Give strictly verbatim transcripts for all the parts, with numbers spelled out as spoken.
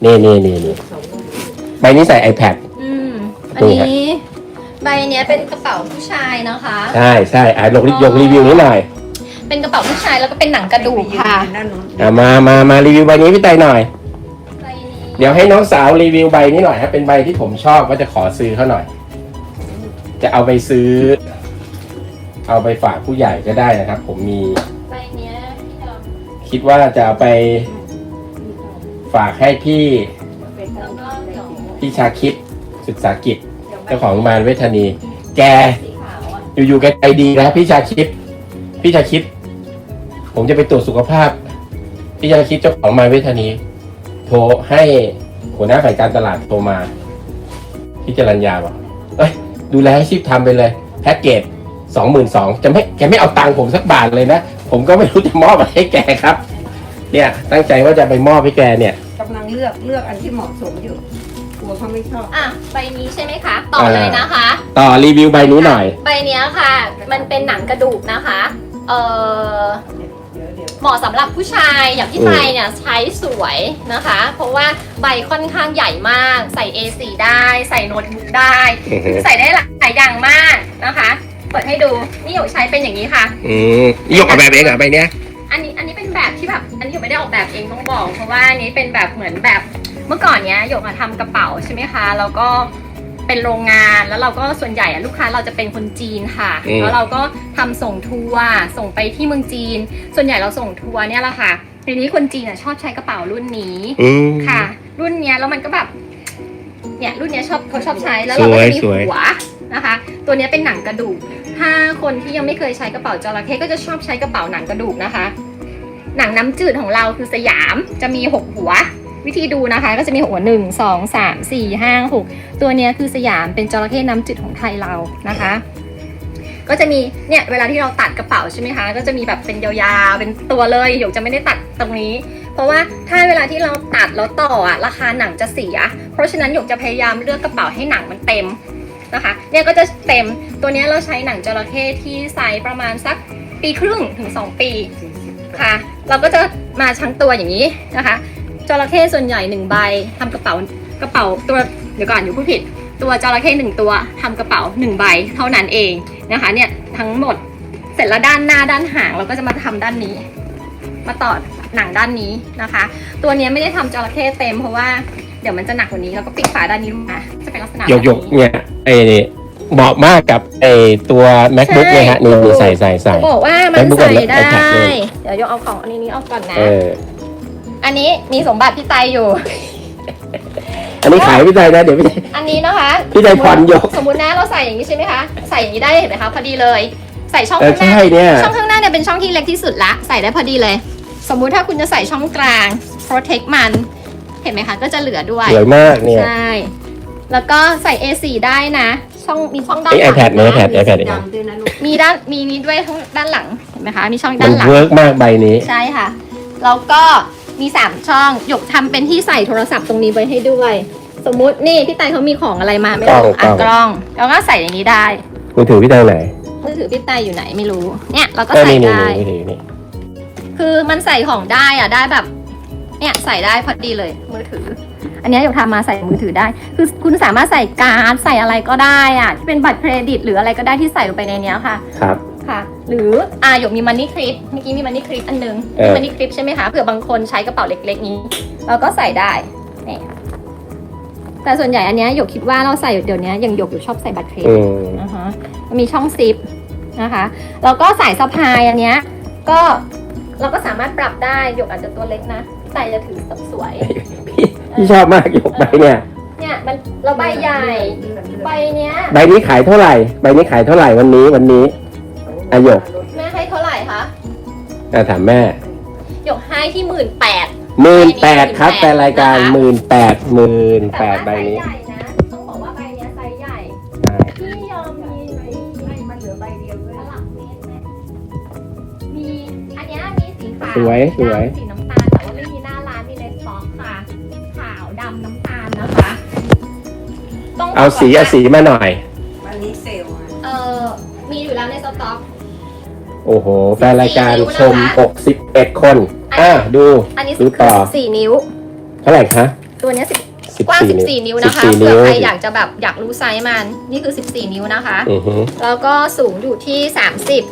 นี่นี่นี่นี่ใบนี้ใส่ iPad อืมอันนี้ใบเนี้ยเป็นกระเป๋าผู้ชายนะคะใช่ใช่อ่ะลงยกรีวิวนิดหน่อยเป็นกระเป๋าผู้ชายแล้วก็เป็นหนังกระดูกค่ะอ่ะมามามารีวิวใบนี้พี่ไตหน่อยใบนี้เดี๋ยวให้น้องสาวรีวิวใบนี้หน่อยครับเป็นใบที่ผมชอบว่าจะขอซื้อเขาหน่อยจะเอาไปซื้อเอาไปฝากผู้ใหญ่ก็ได้นะครับผมมีใบเนี้ยพี่ดอมคิดว่าจะเอาไปฝากให้พี่พี่ชาคิดศึกษากิจเจ้าของโรงพยาบาลเวชธานีแกอยู่ๆแกใจดีนะพี่ชาคิดพี่ชาคิดผมจะไปตรวจสุขภาพพี่ชาคิดเจ้าของโรงพยาบาลเวชธานีโทรให้หัวหน้าฝ่ายการตลาดโทรมาพี่จรัญญาบอกเอ้ยดูแลให้ชีพทำไปเลยแพ็กเกจสองหมื่นสองจะไม่แกไม่เอาตังค์ผมสักบาทเลยนะผมก็ไม่รู้จะมอบอะไรให้แกครับเนี่ยตั้งใจว่าจะไปมอบให้แกเนี่ยกำลังเลือกเลือกอันที่เหมาะสมอยู่กลัวเขาไม่ชอบอ่ะใบนี้ใช่ไหมคะต่อเลยนะคะต่อรีวิวใบนี้หน่อยใบเนี้ยค่ะมันเป็นหนังกระดูกนะคะเออเหมาะสำหรับผู้ชายอย่างพี่ไทยเนี่ยใช้สวยนะคะเพราะว่าใบค่อนข้างใหญ่มากใส่ เอ โฟร์ ได้ใส่โน้ตบุ๊กได้ใส่ได้หลายอย่างมากนะคะเปิดให้ดูนี่หยกใช้เป็นอย่างนี้ค่ะอืมนี่หยกออกแบบเองเหรอใบเนี้ยอันนี้อันนี้เป็นแบบที่แบบอันนี้หยกไม่ได้ออกแบบเองต้องบอกเพราะว่าอันนี้เป็นแบบเหมือนแบบเมื่อก่อนเนี้ยหยกทำกระเป๋าใช่ไหมคะแล้วก็เป็นโรงงานแล้วเราก็ส่วนใหญ่ลูกค้าเราจะเป็นคนจีนค่ะแล้วเราก็ทำส่งทัวร์ส่งไปที่เมืองจีนส่วนใหญ่เราส่งทัวร์เนี่ยแหละค่ะทีนี้คนจีนชอบใช้กระเป๋ารุ่นนี้ค่ะ รุ่นเนี้ยแล้วมันก็แบบเนี่ยรุ่นเนี้ยชอบเขาชอบใช้แล้วเราก็มีหัวนะคะตัวนี้เป็นหนังกระดูกถ้าคนที่ยังไม่เคยใช้กระเป๋าจระเข้ก็จะชอบใช้กระเป๋าหนังกระดูกนะคะหนังน้ำจืดของเราคือสยามจะมีหกหัววิธีดูนะคะก็จะมีหัวหนึ่งสองสามสี่ห้าหกตัวนี้คือสยามเป็นจระเข้น้ำจืดของไทยเรานะคะก็จะมีเนี่ยเวลาที่เราตัดกระเป๋าใช่ไหมคะก็จะมีแบบเป็นยาวๆเป็นตัวเลยหยกจะไม่ได้ตัดตรงนี้เพราะว่าถ้าเวลาที่เราตัดแล้วต่ออะราคาหนังจะเสียเพราะฉะนั้นหยกจะพยายามเลือกกระเป๋าให้หนังมันเต็มนะคะเนี่ยก็จะเต็มตัวนี้เราใช้หนังจระเข้ที่ไซส์ประมาณสักปีครึ่งถึงสองปีค่ะเราก็จะมาทั้งตัวอย่างนี้นะคะจระเข้ส่วนใหญ่หนึ่งใบทำกระเป๋ากระเป๋าตัวเดี๋ยวก่อนอยู่ผู้ผิดตัวจระเข้หนึ่งตัวทำกระเป๋าหนึ่งใบเท่านั้นเองนะคะเนี่ยทั้งหมดเสร็จแล้วด้านหน้าด้านหางเราก็จะมาทำด้านนี้มาต่อหนังด้านนี้นะคะตัวนี้ไม่ได้ทำจระเข้เต็มเพราะว่าเดี๋ยวมันจะหนักกว่านี้แล้วก็ปิดฝาด้านนี้ลงมาจะเป็นลักษณะยกๆเนี่ยไอ้นี่เหมาะมากกับไอ้ตัว MacBook เนี่ยฮะนี่ใส่ใส่ใส่บอกว่ามันใส่ได้เดี๋ยวยกเอาของอันนี้ออกก่อนนะอันนี้มีสมบัติพี่ไตอยู่อันนี้ขายพี่ไตนะเดี๋ยวพี่ไตอันนี้นะคะพี่ไตผ่อนยกสมมุตินะเราใส่อย่างนี้ใช่ไหมคะใส่อย่างนี้ได้เห็นไหมคะพอดีเลยใส่ช่องข้างหน้าช่องข้างหน้าเนี่ยเป็นช่องที่เล็กที่สุดละใส่ได้พอดีเลยสมมุติถ้าคุณจะใส่ช่องกลาง protect มันเห็นไหมคะก็จะเหลือด้วยสวยมากเนี่ยใช่แล้วก็ใส่ เอ โฟร์ ได้นะช่องมีช่องด้านหลัง iPad นะ iPad iPad มีด้านมีนี้ด้วยทั้งด้านหลังเห็นไหมคะมีช่องด้านหลังมันเวิร์กมากใบนี้ใช่ค่ะแล้วก็มีสามช่องหยกทำเป็นที่ใส่โทรศัพท์ตรงนี้ไว้ให้ด้วยสมมุตินี่พี่ไตเขามีของอะไรมาไม่รู้อ่ะกล้องแล้วก็ใส่อย่างนี้ได้มือถือพี่ไตไหนมือถือพี่ไตอยู่ไหนไม่รู้เนี่ยเราก็ใส่ได้คือมันใส่ของได้อ่ะได้แบบเนี่ยใส่ได้พอดีเลยมือถืออันนี้หยกทำมาใส่มือถือได้คือคุณสามารถใส่การ์ดใส่อะไรก็ได้อ่ะที่เป็นบัตรเครดิตหรืออะไรก็ได้ที่ใส่ลงไปในนี้ค่ะครับค่ะหรืออ่าหยกมีมันนี่คลิปเมื่อกี้มีมันนี่คลิปอันนึงมีมันนี่คลิปใช่ไหมคะเผื่อบางคนใช้กระเป๋าเล็กๆนี้เราก็ใส่ได้นี่แต่ส่วนใหญ่อันนี้หยกคิดว่าเราใส่เดี๋ยวนี้อย่างหยกอยู่ชอบใส่บัตรเครดิตนะคะมีช่องซิปนะคะแล้วก็สายสะพายอันเนี้ยก็เราก็สามารถปรับได้หยกอาจจะตัวเล็กนะใส่จะถือสวยพี่พี่ชอบมากหยกใบเนี่ยเนี่ยมันเราใบใหญ่ใบเนี้ยใบนี้ขายเท่าไหร่ใบนี้ขายเท่าไหร่วันนี้วันนี้อาหยกแม่ให้เท่าไหร่คะอ่าถามแม่หยกให้ที่หมื่นแปดหมื่นแปดครับแต่รายการหมื่นแปดหมื่นแปดใบนี้ต้องบอกว่าใบเนี้ยไซส์ใหญ่พี่ยอมมีให้มันเหลือใบเดียวด้วยหลักเมตรไหมมีอันนี้มีสีขาวสวยสวยสีน้ำตาลแต่ว่าไม่มีหน้าร้านมีในสต็อกค่ะขาวดำน้ำตาลนะคะต้องเอาสีเอาสีมาหน่อยวันนี้เซลล์เออมีอยู่แล้วในสต็อกโอ้โหแฟนรายการชมหกสิบเอ็ดคนอ่ะดูอันนี้ดูต่อสี่นิ้วเท่าไหร่คะตัวเนี้ยสิบสิบกว้างสี่สิบสี่ นิ้วนะคะสิบสี่เผื่อใครนิ้วอยากจะแบบอยากรู้ไซส์มันนี่คือสิบสี่นิ้วนะคะอือฮึแล้วก็สูงอยู่ที่สามสิบ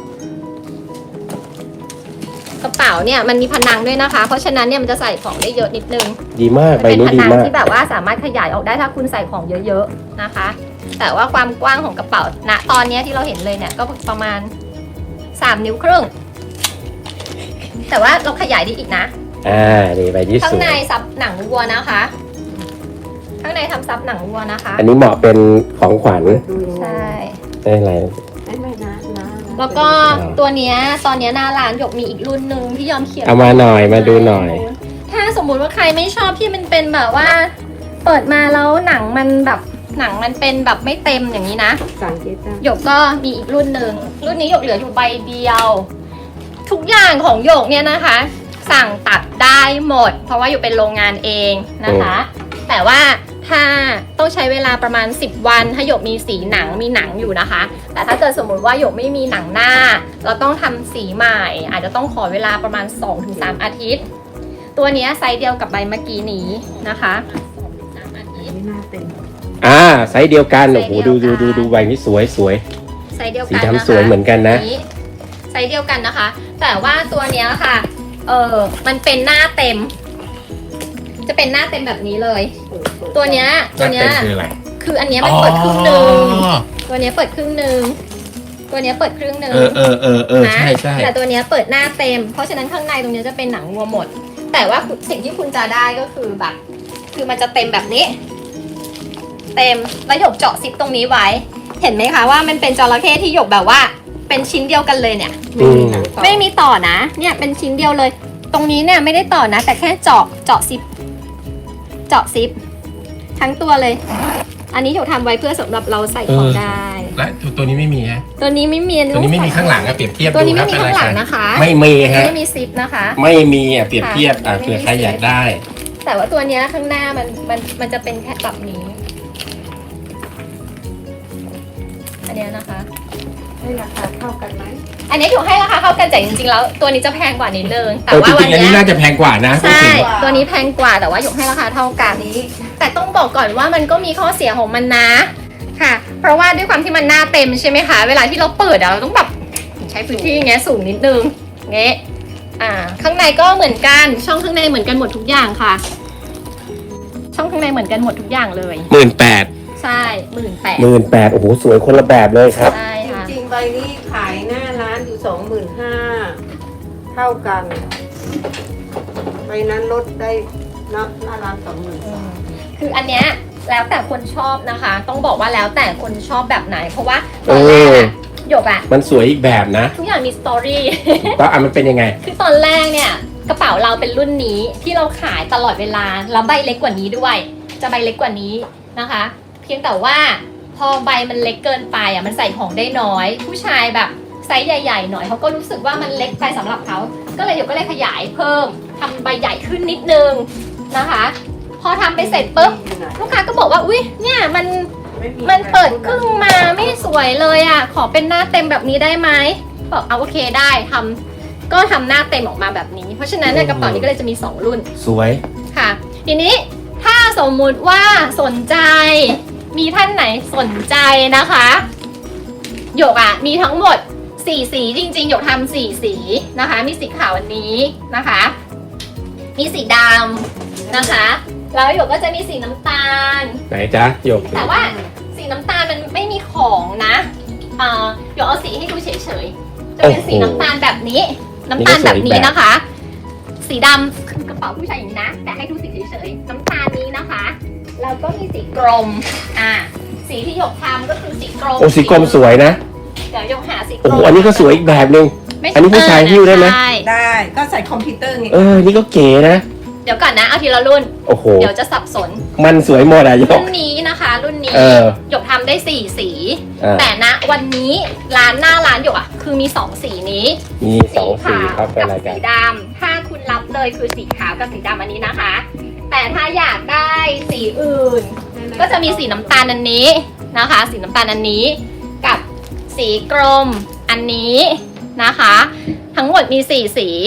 กระเป๋าเนี่ยมันมีพนังด้วยนะคะ เพราะฉะนั้นเนี่ยมันจะใส่ของได้เยอะนิดนึงดีมากมันใบเป็นนี้พดีนังมากที่แบบว่าสามารถขยายออกได้ถ้าคุณใส่ของเยอะๆนะคะ แต่ว่าความกว้างของกระเป๋าณตอนเนี้ยที่เราเห็นเลยเนี่ยก็ประมาณสามนิ้วครึ่งแต่ว่าเราขยายได้อีกนะอ่านี่ใบนี้ข้าสงวในยซับหนังวัวนะคะ ข้างในทำซับหนังวัวนะคะอันนี้เหมาะเป็นของขวัญดูยังไงใช่ได้อะไรไม่ไม่นะนะแล้วก็ตัวเนี้ยตอนเนี้ยหน้าร้านหยกมีอีกรุ่นหนึ่งที่ยอมเขียนเอามาหน่อยมาดูหน่อยถ้าสมมุติว่าใครไม่ชอบที่มันเป็นแบบว่า เปิดมาแล้วหนังมันแบบหนังมันเป็นแบบไม่เต็มอย่างนี้นะสั่งเจ๊จ้าหยกก็มีอีกรุ่นหนึ่งรุ่นนี้หยกเหลืออยู่ใบเดียว ทุกอย่างของหยกเนี่ยนะคะ สั่งตัดได้หมด เพราะว่าอยู่เป็นโรงงานเองนะคะ แต่ว่าถ้าต้องใช้เวลาประมาณสิบวันถ้าหยกมีสีหนังมีหนังอยู่นะคะ แต่ถ้าเกิดสมมุติว่าหยกไม่มีหนังหน้า เราต้องทำสีใหม่ อาจจะต้องขอเวลาประมาณ สองถึงสาม อาทิตย์ ตัวเนี้ยไซส์เดียวกับใบเมื่อกี้นี้นะคะสองถึงสามอาทิตย์ไม่น่าเต็มอ่าไซส์เดียวกันไซส์โอ้โหเดีดูยวกันดูดูดูใบนี้สวยสวยไซส์เดียวสีกันนะคะดำสวยเหมือนกันนะไซส์เดียวกันนะคะ แต่ว่าตัวเนี้ยค่ะ เออมันเป็นหน้าเต็ม จะเป็นหน้าเต็มแบบนี้เลย ตัวเนี้ยตัวเนี้ยคืออะไรคืออันเนี้ยมันเปิดครึ่งหนึ่งตัวเนี้ยเปิดครึ่งหนึ่งตัวเนี้ยเปิดครึ่งหนึ่งเออเออเออเออนะใช่ใช่แต่ตัวเนี้ยเปิดหน้าเต็ม เพราะฉะนั้นข้างในตรงเนี้ยจะเป็นหนังวัวหมด แต่ว่าสิ่งที่คุณจะได้ก็คือแบบ คือมันจะเต็มแบบนี้ เต็มแล้วหยกเจาะซิปตรงนี้ไว้ เห็นไหมคะว่ามันเป็นจระเข้ที่หยกแบบว่า เป็นชิ้นเดียวกันเลยเนี่ยไม่มีหนังต่อไม่มีต่อนะ เนี่ยเป็นชิ้นเดียวเลย ตรงนี้เนี่ยไม่ได้ต่อนะ แต่แค่เจาะเจาะซิป เจาะซิป ทั้งตัวเลย อันนี้หยกทำไว้เพื่อสำหรับเราใส่ของได้และตัวนี้ไม่มีฮะตัวนี้ไม่มีตัวนี้ไม่มีข้างหลังอะเปรียบเทียบตัวนี้ดูไม่ครับมีเป็นข้างหลังอะไรนะคะไม่มีฮะไม่มีซิปนะคะไม่มีอ่ะเปรียบเทียบอ่ะไม่มีเผื่อใครอยากได้แต่ว่าตัวเนี้ยข้างหน้ามันมันมันจะเป็นแค่แบบนี้ อันเนี้ยนะคะให้ราคาเท่ากันไหมอันนี้อยู่ให้ราคาเข้ากันแต่จริงๆแล้วตัวนี้จะแพงกว่านิดนึงแต่เออว่าจวัรินงๆอันเนี้นี้ยน่าจะแพงกว่านะใช่จริงตัวนี้แพงกว่าแต่ว่าหยกให้ราคาเท่ากันนี้ แต่ต้องบอกก่อนว่ามันก็มีข้อเสียของมันนะค่ะ เพราะว่าด้วยความที่มันหน้าเต็มใช่ไหมคะ เวลาที่เราเปิดอะเราต้องแบบใช้พื้นที่อย่างเงี้ยสูงนิดนึงเงี้ยอ่า ข้างในก็เหมือนกันช่องข้างในเหมือนกันหมดทุกอย่างค่ะ ช่องข้างในเหมือนกันหมดทุกอย่างเลยหมื่นแปดใช่หมื่นแปดหมื่นแปดโอ้โหสวยคนละแบบเลยครับใช่จค่ะริงๆใบนี้ขายหน้าร้านอยู่สองหมื่นห้าเท่ากันใบนั้นลดได้หน้าหน้าร้านสองหมื่นคืออันเนี้ยแล้วแต่คนชอบนะคะ ต้องบอกว่าแล้วแต่คนชอบแบบไหน เพราะว่าตอนแรกอะหยกอะมันสวยอีกแบบนะทุกอย่างมีสตอรี่แล้วอ่ะมันเป็นยังไงคือตอนแรกเนี่ยกระเป๋าเราเป็นรุ่นนี้ที่เราขายตลอดเวลาแล้วใบเล็กกว่านี้ด้วย จะใบเล็กกว่านี้นะคะ เพียงแต่ว่าพอใบมันเล็กเกินไปอ่ะมันใส่ของได้น้อย ผู้ชายแบบไซส์ใหญ่ๆหน่อยเขาก็รู้สึกว่ามันเล็กไปสำหรับเขาก็เลยหยกก็เลยขยายเพิ่มทำใบใหญ่ขึ้นนิดนึงนะคะ พอทำไปเสร็จปุ๊บลูกค้าก็บอกว่าอุ้ยเนี่ยมันมันเปิดครึ่งมาไม่สวยเลยอ่ะขอเป็นหน้าเต็มแบบนี้ได้ไหมบอกเอาโอเคได้ทำก็ทำหน้าเต็มออกมาแบบนี้ เพราะฉะนั้นเนี่ยกระเป๋านี้ก็เลยจะมีสองรุ่นสวยค่ะ ทีนี้ถ้าสมมุติว่าสนใจมีท่านไหนสนใจนะคะหยกอะมีทั้งหมดสี่สีจริงๆหยกทำสี่สีนะคะ มีสีขาวอันนี้นะคะ มีสีดำนะคะ แล้วหยกก็จะมีสีน้ำตาลไหนจ๊ะหยกแต่ว่าสีน้ำตาลมันไม่มีของนะอ่าหยกเอาสีให้ดูเฉยๆจะเป็นสีน้ำตาลแบบนี้ น้ำตาลแบบนี้นะคะ สีดำคือกระเป๋าผู้ชายอย่างนี้นะ แต่ให้ดูสีเฉยๆน้ำตาลนี้นะคะ แล้วก็มีสีกรมอ่าสีที่หยกทำก็คือสีกรมโอ้สีกรมสวยนะเดี๋ยวหยกหาสีกรมโอ้โหอันนี้ก็สวยอีกแบบนึงไม่อันนี้ผู้ชายหิ้วได้ไหมใช่ได้ก็ใส่คอมพิวเตอร์ไงเออ นี่ก็เก๋นะเดี๋ยวก่อนนะเอาทีละรุ่นโอ้โหเดี๋ยวจะสับสนมันสวยหมดอ่ะหยรุ่กนนี้นะคะ รุ่นนี้เออหยกทำได้สี่สีอ่าแต่ณวันนี้ร้านหน้าร้านหยกอ่ะคือมีสองสีนี้มีสองสีครับเป็นกัอะไรกัสีนดำถ้าคุณรับเลยคือสีขาวกับสีดำอันนี้นะคะ แต่ถ้าอยากได้สีอื่น ก็จะมีสีน้ำตาลอันนี้นะคะ สีน้ำตาลอันนี้ กับสีกรมอันนี้นะคะ ทั้งหมดมีสี่สี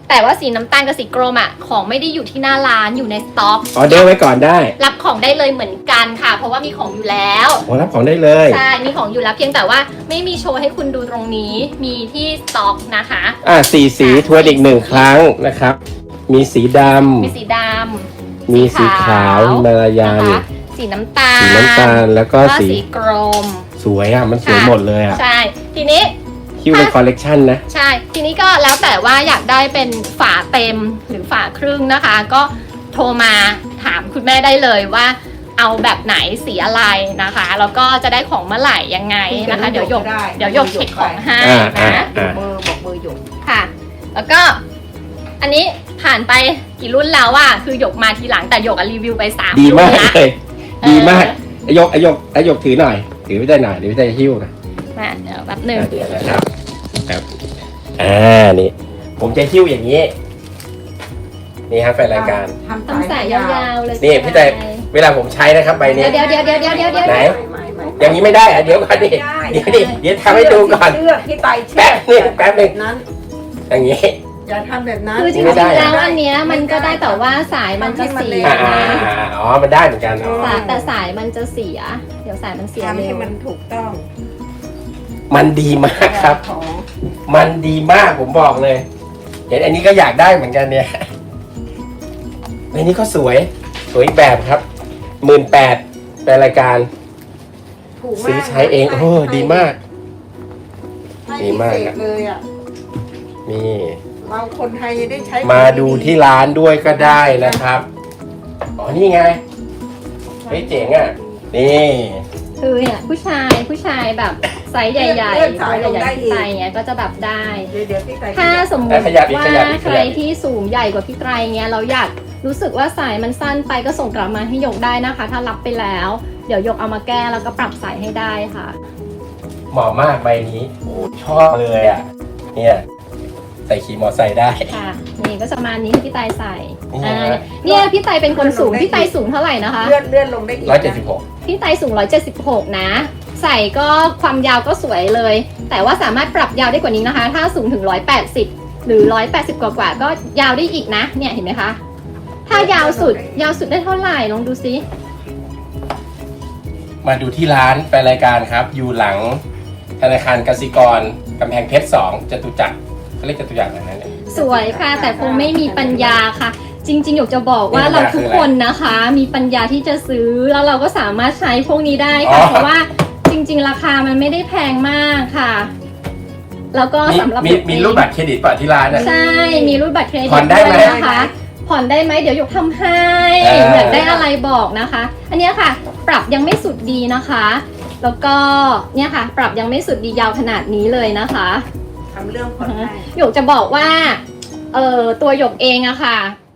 แต่ว่าสีน้ำตาลกับสีกรมอ่ะของไม่ได้อยู่ที่หน้าร้านอยู่ในสต็อกออเดอร์ไว้ก่อนได้รับของได้เลยเหมือนกันค่ะ เพราะว่ามีของอยู่แล้วโอ้รับของได้เลยใช่มีของอยู่แล้วเพียงแต่ว่าไม่มีโชว์ให้คุณดูตรงนี้มีที่สต็อกนะคะอ่าสีสีทวนอีกหนึ่งครั้งนะครับ มีสีดมีสีดำำมีสีขาวฮิมาลายันนะคะสีน้ำตาลสีน้ำตาลแล้วก็แล้วก็สีสีกรมสวยอ่ะ มันสวยหมดเลยอ่ะใช่ทีนี้คิวเป็นคอลเลกชันนะใช่ ทีนี้ก็แล้วแต่ว่าอยากได้เป็นฝาเต็มหรือฝาครึ่งนะคะ ก็โทรมาถามคุณแม่ได้เลยว่าเอาแบบไหนสีอะไรนะคะ แล้วก็จะได้ของเมื่อไหร่ยังไงนะคะ เดี๋ยวหยกเดี๋ยวหยกเช็คของให้อ่าอ่านะอ่าเบอร์บอกเบอร์หยกค่ะ แล้วก็อันนี้ผ่านไปกี่รุ่นแล้วอะคือหยกมาทีหลังแต่หยกอะรีวิวไปสามดีรุ่มาน กละเลยเออดีมากอายกอายกอายกถือหน่อย ถือไม่ได้หน่อยถือไม่ได้หิ้วนะมาเดี๋ยวแป๊บหนึ่งเดี๋ยวนะครับครับอ่านี่ ผมจะหิ้วอย่างนี้ นี่ครับแฟนรายการต้องใส่ยาวๆเลยนี่พี่แต่เวลาผมใช้นะครับใบนี้เดี๋ยวเดี๋ยวเดี๋ยวเดี๋ยวเดี๋ยวเดี๋ยวไหนไม่ไม่อย่างนี้ไม่ได้อะเดี๋ยวก่อนดิเดี๋ยวดิเดี๋ยวทำให้ดูก่อนเลือกที่ไตเช็แป๊บหนึงแป๊บหนึงนั้นอย่างนี้อย่าทำแบบนั้นคือจริงไม่ได้ๆแล้วอันเนี้ยมันก็ได้แต่ว่าสายมันจะเสียอ่าอ่านะอ่าอ๋อ มันได้เหมือนกันอ๋อสายแต่สายมันจะเสีย เดี๋ยวสายมันเสียทำเร็ให้วมันถูกต้องมันดีมากครับของมันดีมากผมบอกเลย เห็นอันนี้ก็อยากได้เหมือนกันเนี่ยอันนี้ก็สวย สวยอีกแบบครับหมื่นแปดเป็นรายการถูกมากซื้อใช้เอง โอ้ดีมากให้ดีมากพิเศษเลยอ่ะนี่เราคนไทยจะได้ใช้มาดูที่ร้านด้วยก็ได้นะครับ อ๋อ นี่ไง เฮ้ยเจ๋งอ่ะ นี่คือเนี่ยผู้ชายผู้ชายแบบไซส์ใหญ่ๆตัวใหญ่ๆไซส์เงี้ยก็จะแบบได้เดี๋ยวเดี๋ยวพี่ไตถ้าสมมติขยับอีกว่าขยับอีกใคขรยับอีกที่สูงใหญ่กว่าพี่ไตรเงี้ยเราอยากรู้สึกว่าสายมันสั้นไปก็ส่งกลับมาให้หยกได้นะคะ ถ้ารับไปแล้ว เดี๋ยวหยกเอามาแก้แล้วก็ปรับสายให้ได้ค่ะเหมาะมากใบนี้ โอ้ชอบเลยอ่ะ เนี่ย ใส่ขี่มอไซค์ได้ค่ะนี่ก็จะประมาณนี้ที่พี่ไตรใส่นี่อ่าฮะเนี่ยพี่ไตรเป็นคนสูงพี่ไตรสูงเท่าไหร่นะคะเลื่อนเลื่อนลงได้อีกร้อยเจ็ดสิบหกพี่ไตรสูงหนึ่งร้อยเจ็ดสิบหกนะ ใส่ก็ความยาวก็สวยเลย แต่ว่าสามารถปรับยาวได้กว่านี้นะคะ ถ้าสูงถึงหนึ่งร้อยแปดสิบหรือหนึ่งร้อยแปดสิบกว่าๆก็ยาวได้อีกนะ เนี่ยเห็นไหมคะ ถ้ายาวสุดยาวสุดได้เท่าไหร่ลองดูซิมาดูที่ร้านแฟนรายการครับ อยู่หลังธนาคารกสิกรกำแพงเพชรสองจตุจักรเขาเรียกจตุจักรอะไรนั่นเองสวยค่ะ แต่คงไม่มีปัญญาค่ะ จริงๆอยากจะบอกว่าปัญญาเราทุกคืออะไรคนนะคะ มีปัญญาที่จะซื้อแล้วเราก็สามารถใช้พวกนี้ได้อ๋ค่ะอเพราะว่าจริง ๆ ราคามันไม่ได้แพงมากค่ะ แล้วก็มีสำหรับมีมีรูปบัตรเครดิตป่ะที่ร้านอ่ะใช่ มีรูปบัตรเครดิตผ่อนได้ไหมวยนะคะ ผ่อนได้ไหมเดี๋ยวหยกทำให้เอออยากได้อะไรบอกนะคะ อันเนี้ยค่ะ ปรับยังไม่สุดดีนะคะ แล้วก็เนี่ยค่ะ ปรับยังไม่สุดดียาวขนาดนี้เลยนะคะทำเรื่องผ่อนให้หยกจะบอกว่า เออตัวหยกเองอะค่ะ